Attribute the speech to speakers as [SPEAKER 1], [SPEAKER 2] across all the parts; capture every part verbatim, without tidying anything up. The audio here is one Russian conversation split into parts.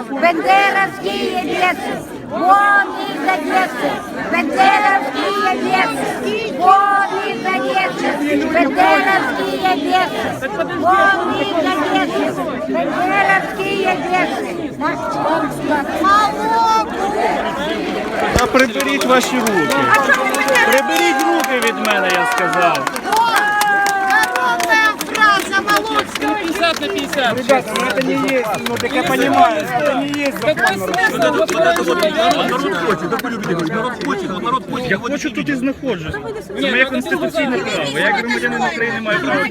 [SPEAKER 1] Бендеровские лесы, вон из Одессы. Бендеровские лесы, вон из Одессы. Бендеровские лесы, вон из Одессы. Бендеровские лесы.
[SPEAKER 2] Та приберіть ваші руки. Приберіть руки від мене, я сказав.
[SPEAKER 3] пятьдесят на пятьдесят.
[SPEAKER 2] Ребята, ну это не есть, ну так я понимаю, это не есть закон. Я хочу тут і знаходжусь. Це моє конституційне право. Я як громадянин України маю право.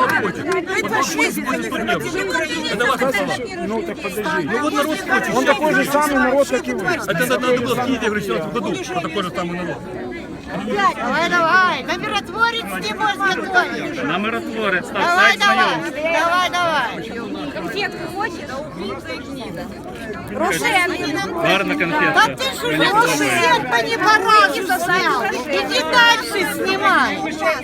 [SPEAKER 2] Ну так подожди.
[SPEAKER 4] Ну вот народ хочет.
[SPEAKER 2] Он такой же самый народ, как и вы.
[SPEAKER 4] Это надо было в Киеве в шестнадцатом году, что такой же самый народ.
[SPEAKER 5] Давай, давай, на миротворец не можешь готовить.
[SPEAKER 2] На миротворець, так,
[SPEAKER 5] Давай,
[SPEAKER 2] сайт
[SPEAKER 5] давай,
[SPEAKER 2] знайомств.
[SPEAKER 5] давай, давай.
[SPEAKER 2] Гарна
[SPEAKER 5] Да
[SPEAKER 2] конфетка.
[SPEAKER 5] ты же
[SPEAKER 2] Мені
[SPEAKER 5] уже
[SPEAKER 2] подобається.
[SPEAKER 5] всех по непоразу снял. Иди дальше снимай.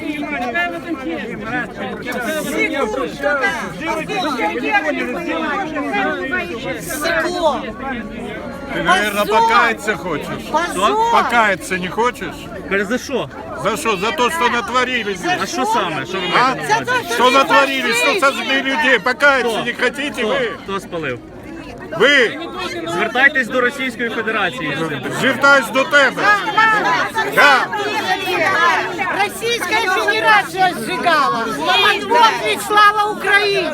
[SPEAKER 5] Стекло.
[SPEAKER 6] Ты, наверное,
[SPEAKER 5] Позор!
[SPEAKER 6] покаяться хочешь?
[SPEAKER 5] Позор.
[SPEAKER 6] Покаяться не хочешь?
[SPEAKER 2] За що?
[SPEAKER 6] За что? За то, что натворили здесь.
[SPEAKER 2] А що саме? Що ви
[SPEAKER 6] А?
[SPEAKER 2] маєте на
[SPEAKER 5] За то,
[SPEAKER 2] увазі?
[SPEAKER 5] что
[SPEAKER 6] Что
[SPEAKER 5] не
[SPEAKER 6] натворили? Что
[SPEAKER 5] пошли.
[SPEAKER 6] сожгли людей? Покаяться
[SPEAKER 2] Кто?
[SPEAKER 6] не хотите
[SPEAKER 2] Хто?
[SPEAKER 6] вы?
[SPEAKER 2] Хто спалив?
[SPEAKER 6] Ви!
[SPEAKER 2] Звертайтесь до Російської Федерації.
[SPEAKER 6] Звертаюсь до тебе. Да.
[SPEAKER 5] Российская Федерация сжигала. Вот ведь слава Украине.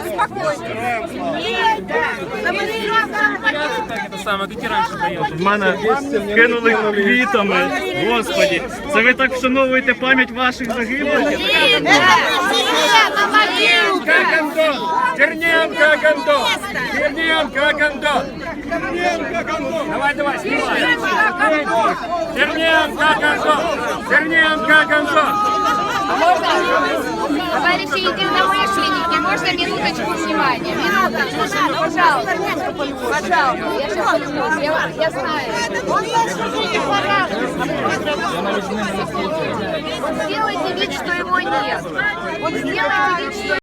[SPEAKER 3] Это самое, как и раньше даешь.
[SPEAKER 2] В мене кинули квітами. Господі, це ви так вшановуєте пам'ять ваших загиблих?
[SPEAKER 5] Это мы себе на могилу.
[SPEAKER 4] Черненко, Гандон! Черненко, Гандон! Давай, давай, снимай! Черненко, Гандон! Черненко, Гандон!
[SPEAKER 7] Товарищи единомышленники, можно минуточку внимания? Минуточку, пожалуйста. Пожалуйста, я сейчас вернусь, я, я знаю.
[SPEAKER 5] Он даже уже не порадуется.
[SPEAKER 7] Вот сделайте вид, что его нет. Вот сделайте вид, что